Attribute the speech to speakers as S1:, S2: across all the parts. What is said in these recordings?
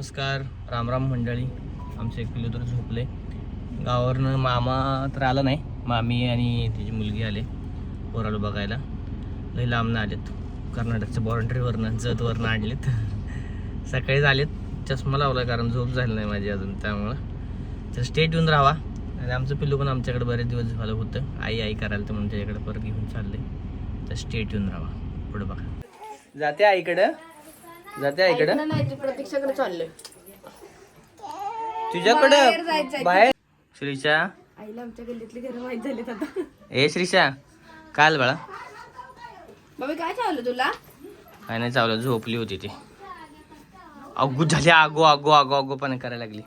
S1: नमस्कार, रामराम मंडळी. आमचं एक पिल्लू तर झोपले. गावावरनं मामा तर आला नाही, मामी आणि तिची मुलगी आले पोराला बघायला. लई लांबनं आलेत, कर्नाटकच्या बाउंड्रीवरनं जतवरनं आणलेत. सकाळीच आलेत. चष्मा लावला कारण झोप झाली नाही माझी अजून, त्यामुळं तर स्टेट येऊन राहा. आणि आमचं पिल्लू पण आमच्याकडे बरेच दिवस झालं होतं, आई करायला तर म्हणून त्याच्याकडे परत घेऊन चालले. तर स्टेट येऊन राहा. पुढं बघा. जाते आईकडं, जाते आईकडं.
S2: प्रतीक्षाकडे चाललोय.
S1: तुझ्याकडं बाहेर. श्रीशा,
S2: आईला आमच्या गल्लीतली घर माहित झालीत आता.
S1: ए श्रीशा, काल बाळा
S2: बाबा काय चाललं तुला?
S1: काय नाही चावलं, झोपली होती ती. अगो झाली, आगो आगो आगो आगो पण करायला लागली.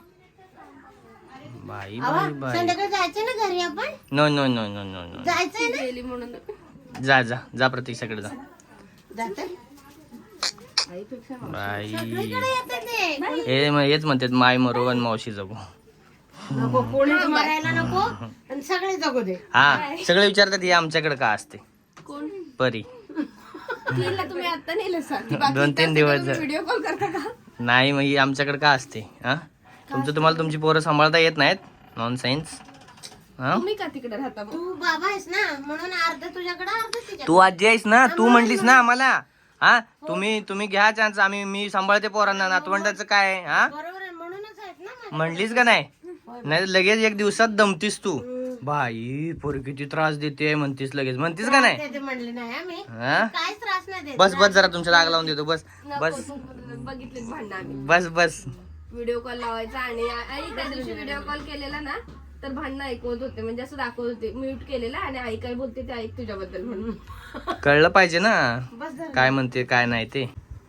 S1: बाई बाई बाई.
S3: संध्याकाळी जायचं ना घरी आपण.
S1: No no no no no no.
S3: जायचंय ना.
S2: गेली म्हणून
S1: जा जा जा, प्रतीक्षाकडे जा.
S3: जाते.
S2: आईपेक्षा
S1: बाई
S3: सगळीकडे येतं ते.
S1: हे हेच म्हणतात, माय मरो आणि मावशी जगू.
S3: नको कोणीच मरायला नको आणि सगळे जगू दे.
S1: हा, सगळे विचारतात हे आमच्याकडे का असते.
S2: कोण
S1: परी
S2: तिला तुम्ही आता नेलं सांग.
S1: 2-3 दिवस झाले.
S2: व्हिडिओ कॉल करता का?
S1: नाही, मग ही आमच्याकडे का असते. हा, तुम्हाला तुमची पोरं सांभाळता येत नाहीत. Non science. हा,
S2: तुम्ही का तिकडे राहता मग?
S3: तू बाबा आहेस ना म्हणून अर्ध तुझ्याकडे अर्ध तिच्या.
S1: तू आजी आहेस ना, तू म्हणलीस ना आम्हाला. हा, तुम्ही घ्या चान्स, मी सांभाळते पोरांना. नातवंडाचं काय. हा,
S3: बरोबर आहे म्हणूनच आहेत ना माझ्या.
S1: म्हणलीस का नाही. नाही लगेच एक दिवसात दमतीस तू. बाई पोर किती त्रास देते म्हणतीस, लगेच म्हणतीस का नाही.
S3: ते म्हणले नाही आम्ही
S1: हा,
S3: काहीच त्रास नाही देत.
S1: बस बस जरा तुमच्या राग लावून देतो. बस बस
S2: बघितले भांडणं आम्ही.
S1: बस बस.
S2: व्हिडिओ कॉल लावायचा आणि आई त्या दिवशी व्हिडिओ कॉल केलेला ना, तर भांडणं ऐकवत होते. म्हणजे असं दाखवत होते म्यूट केलेला आणि आई काय बोलते ते ऐक तुझ्याबद्दल म्हणून.
S1: कळलं पाहिजे ना
S3: बस झालं.
S1: काय म्हणते काय नाही ते.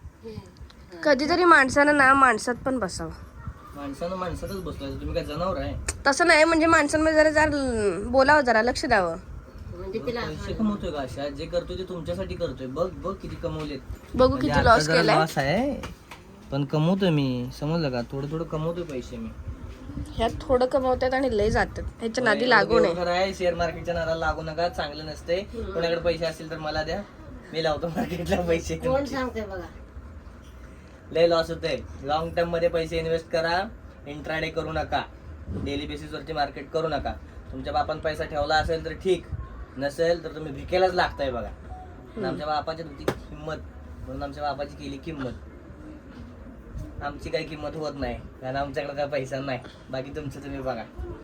S2: कधीतरी माणसानं ना माणसात पण बसावं.
S1: माणसानं माणसातच बसलो, तुम्ही काय जनावर आहे.
S2: तसं नाही, म्हणजे माणसांमध्ये जरा बोलावं, जरा लक्ष द्यावं.
S3: म्हणजे तिला
S1: पैसे कमवतोय का अशा, जे करतोय ते तुमच्यासाठी करतोय. बघ बघ किती कमवलेत.
S2: बघू
S1: म्हणजे
S2: किती
S1: आता
S2: लॉस
S1: जरा
S2: केलाय.
S1: लॉस आहे, पण कमवतोय मी. समजलं का, थोडं थोडं कमवतोय पैसे मी.
S2: ह्यात थोडं कमवतात आणि लय जातात. ह्याच्या नादी लागू नये.
S1: खरं आहे, शेअर मार्केटच्या नादाला लागू नका, चांगलं नसते. कोणाकडे पैसे असतील तर मला द्या, मी लावतो मार्केटला पैसे.
S3: कोण सांगते बघा.
S1: लय लॉस होते. लॉंग टर्म मध्ये पैसे इन्व्हेस्ट करा. इंट्राडे करू नका, डेली बेसिस वरती मार्केट करू नका. तुमच्या बापान पैसा ठेवला असेल तर ठीक, नसेल तर तुम्ही भिकेलाच लागताय बघा. आमच्या बापाची होती किंमत म्हणून आमच्या बापाची केली किंमत. आमची काही किंमत होत नाही कारण आमच्याकडे काय पैसा नाही. बाकी तुमचं तुम्ही बघा.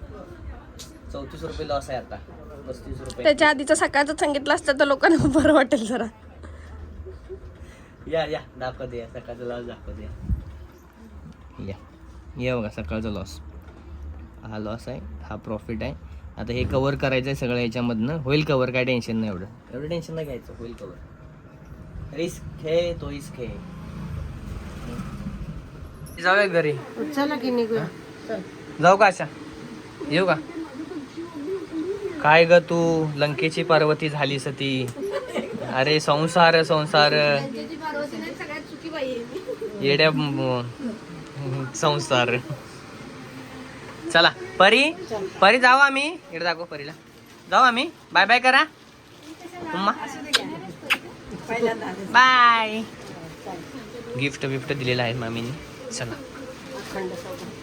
S1: 34 रुपये लॉस आहे आता, 35 रुपये.
S2: त्याच्या आधीचं सकाळचं सांगितलं असतं तर लोकांना बरं वाटेल जरा.
S1: या दाखवते, या सकाळचा लॉस दाखवते. या बघा, सकाळचा लॉस. हा लॉस आहे, हा प्रॉफिट आहे. आता हे कव्हर करायचं आहे सगळं याच्यामधनं. होईल कव्हर, काय टेन्शन नाही. एवढं टेन्शन नाही घ्यायचं, होईल कव्हर. रिस्क है तो इस्क है. जाऊया घरी.
S3: चला की निघूया.
S1: जाऊ का अशा, येऊ का. काय ग तू लंकेची पार्वती झाली सती. अरे संसार संसार येड्या संसार. चला परी जाऊ आम्ही. इकडे दाखव परीला. जाऊ आम्ही. बाय बाय करा उम्मा. बाय. गिफ्ट दिलेलं आहे मामीने. चला.